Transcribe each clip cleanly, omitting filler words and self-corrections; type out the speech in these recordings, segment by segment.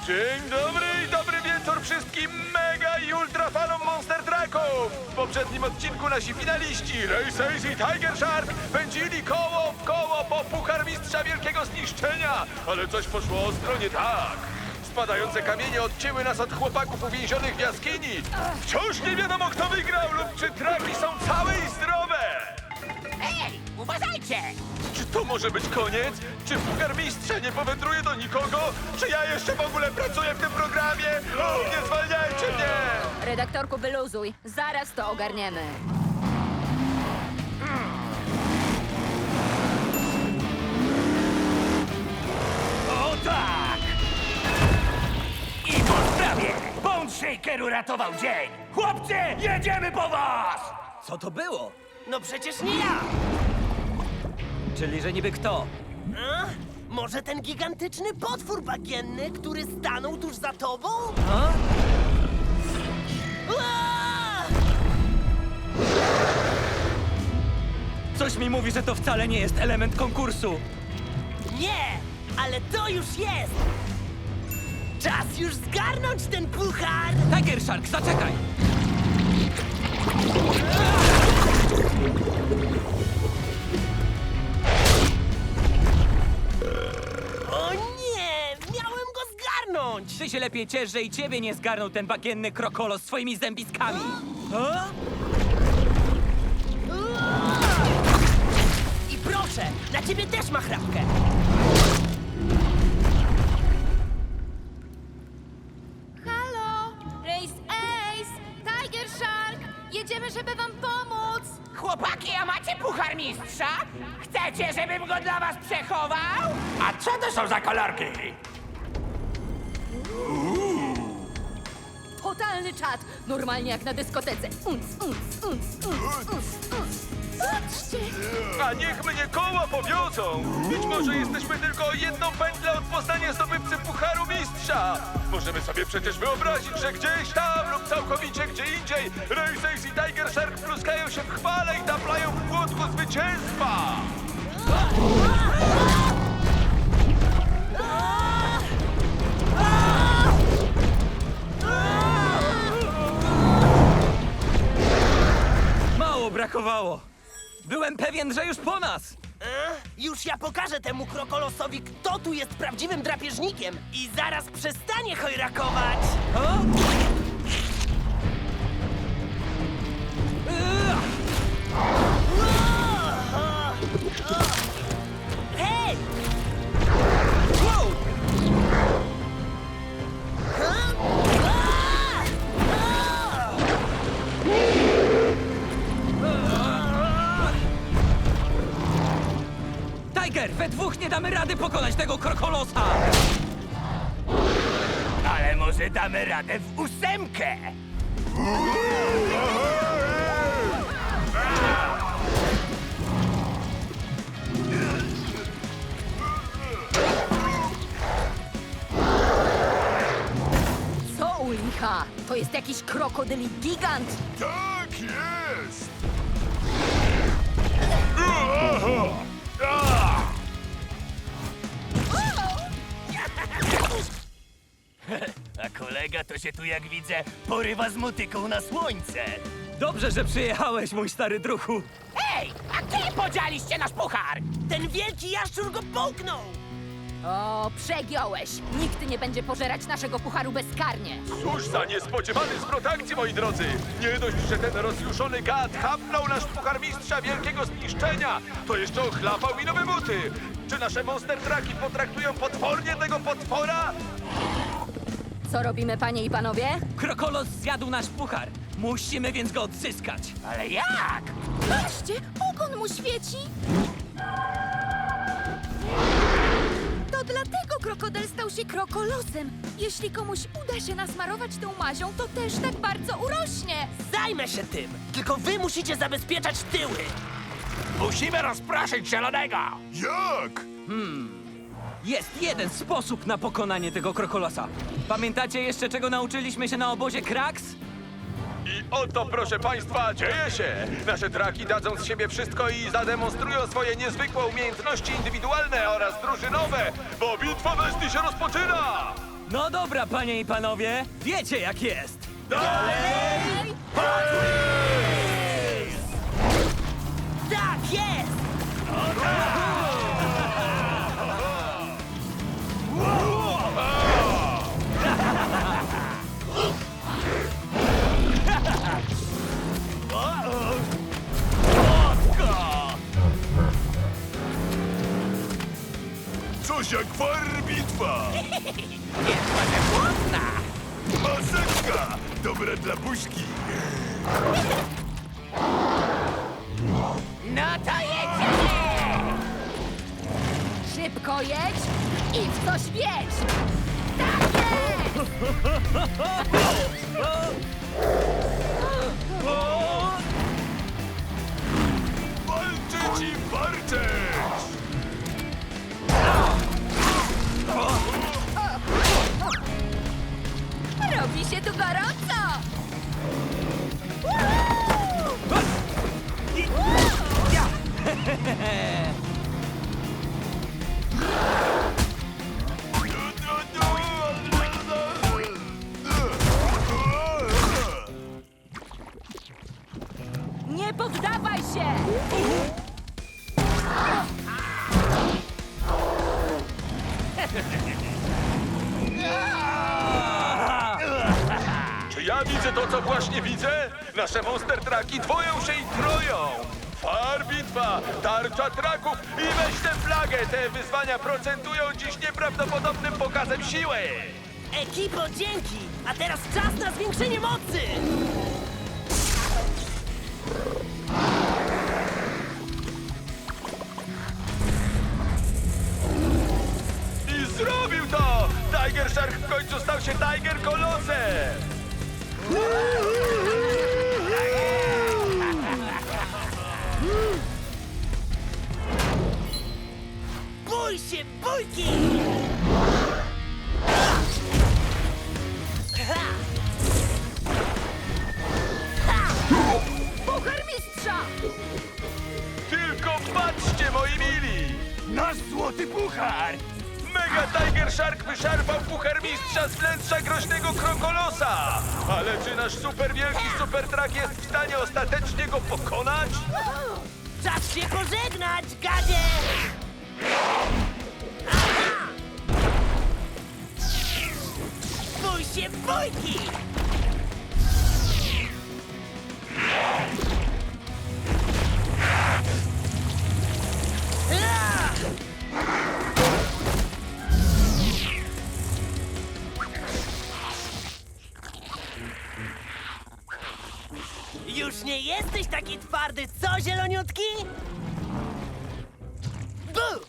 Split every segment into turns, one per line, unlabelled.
Dzień dobry i dobry wieczór wszystkim mega i ultra fanom Monster Trucków! W poprzednim odcinku nasi finaliści Race Ace i Tiger Shark pędzili koło w koło po Puchar Mistrza Wielkiego Zniszczenia, ale coś poszło ostro nie tak. Spadające kamienie odcięły nas od chłopaków uwięzionych w jaskini. Wciąż nie wiadomo, kto wygrał lub czy traki są całe i zdrowe.
Ej, uważajcie!
Czy to może być koniec? Czy Puchar Mistrza nie powędruje do nikogo? Czy ja jeszcze w ogóle pracuję w tym programie? O, nie zwalniajcie mnie!
Redaktorku, wyluzuj. Zaraz to ogarniemy.
O tak! I po sprawie! Bone Shaker uratował dzień! Chłopcy, jedziemy po was!
Co to było?
No przecież nie ja!
Czyli, że niby kto?
A? Może ten gigantyczny potwór bagienny, który stanął tuż za tobą?
A?
Ua!
Coś mi mówi, że to wcale nie jest element konkursu.
Nie, ale to już jest! Czas już zgarnąć ten puchar!
Tiger Shark, zaczekaj!
O nie! Miałem go zgarnąć!
Ty się lepiej ciesz, że i ciebie nie zgarnął ten bagienny krokolos swoimi zębiskami. A?
Ua! I proszę, na ciebie też ma chrapkę!
Halo! Race Ace! Tiger Shark! Jedziemy, żeby wam pomóc!
Chłopaki, a macie Puchar Mistrza? Chcecie, żebym go dla was przechował? A co to są za kolorki?
Totalny czad! Normalnie jak na dyskotece. Patrzcie!
A niech mnie koła powiozą! Być może jesteśmy tylko o jedną pętlę od poznania zdobywcy Pucharu Mistrza! Możemy sobie przecież wyobrazić, że gdzieś tam lub całkowicie gdzie indziej Race Ace i Tiger Shark pluskają się w chwale i taplają w płotku zwycięstwa!
Mało brakowało. Byłem pewien, że już po nas.
Już ja pokażę temu krokolosowi, kto tu jest prawdziwym drapieżnikiem i zaraz przestanie chojrakować!
A?
Hej!
Wow! Tiger, we dwóch nie damy rady pokonać tego krokolosa.
Ale może damy radę w ósemkę?
Co u licha? To jest jakiś krokodyli gigant!
Tak jest!
A kolega to się tu, jak widzę, porywa z motyką na słońce.
Dobrze, że przyjechałeś, mój stary druhu.
Ej, a gdzie podzieliście nasz puchar?
Ten wielki jaszczur go połknął!
O, przegiąłeś! Nikt nie będzie pożerać naszego pucharu bezkarnie!
Cóż za niespodziewany zwrot akcji, moi drodzy! Nie dość, że ten rozjuszony gad chapnął nasz Puchar Mistrza Wielkiego Zniszczenia, to jeszcze ochlapał mi nowe buty! Czy nasze Monster Trucki potraktują potwornie tego potwora?
Co robimy, panie i panowie?
Krokolos zjadł nasz puchar. Musimy więc go odzyskać.
Ale jak?
Patrzcie, ogon mu świeci!
To dlatego krokodyl stał się krokolosem. Jeśli komuś uda się nasmarować tą mazią, to też tak bardzo urośnie.
Zajmę się tym! Tylko wy musicie zabezpieczać tyły!
Musimy rozproszyć zielonego.
Jak?
Jest jeden sposób na pokonanie tego krokolosa. Pamiętacie jeszcze, czego nauczyliśmy się na obozie Krax?
I oto, proszę państwa, dzieje się! Nasze traki dadzą z siebie wszystko i zademonstrują swoje niezwykłe umiejętności indywidualne oraz drużynowe, bo bitwa bestii się rozpoczyna!
No dobra, panie i panowie, wiecie jak jest.
Tak jest!
Coś jak bitwa!
Głodna!
Maseczka! Dobra dla buźki!
No to jedziemy!
Szybko jedź i w coś wjedź! Tak jest!
Walczyć i warczeć!
Robi się tu gorąco!
Nie poddawaj się!
Czy ja widzę to, co właśnie widzę? Nasze Monster Trucki dwoją się i troją! Bitwa, tarcza traków i weź tę flagę! Te wyzwania procentują dziś nieprawdopodobnym pokazem siły!
Ekipo, dzięki! A teraz czas na zwiększenie mocy!
I zrobił to! Tiger Shark w końcu stał się Tiger Kolosem!
Bój się, bójki!
Puchar mistrza!
Tylko patrzcie, moi mili! Nasz złoty puchar! Mega Tiger Shark wyszarpał puchar mistrza z wnętrza groźnego krokolosa! Ale czy nasz super wielki super truck jest w stanie ostatecznie go pokonać?
Czas się pożegnać, gadzie! Aha! Bój się, bójki! Już nie jesteś taki twardy, co, zieloniutki? Bu!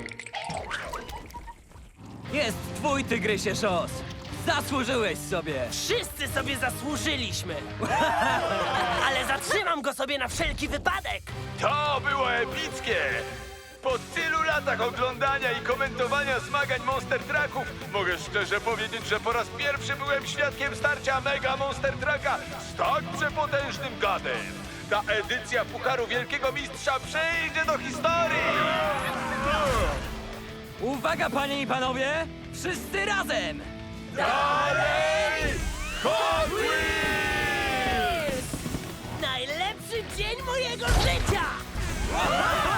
Jest twój, tygrysie szos. Zasłużyłeś sobie.
Wszyscy sobie zasłużyliśmy! Ale zatrzymam go sobie na wszelki wypadek!
To było epickie! Po tylu latach oglądania i komentowania zmagań Monster Trucków mogę szczerze powiedzieć, że po raz pierwszy byłem świadkiem starcia Mega Monster Trucka z tak przepotężnym gadem. Ta edycja Pucharu Wielkiego Mistrza przejdzie do historii!
Uwaga, panie i panowie, wszyscy razem.
Dalej! Hot Wheels!
Najlepszy dzień mojego życia!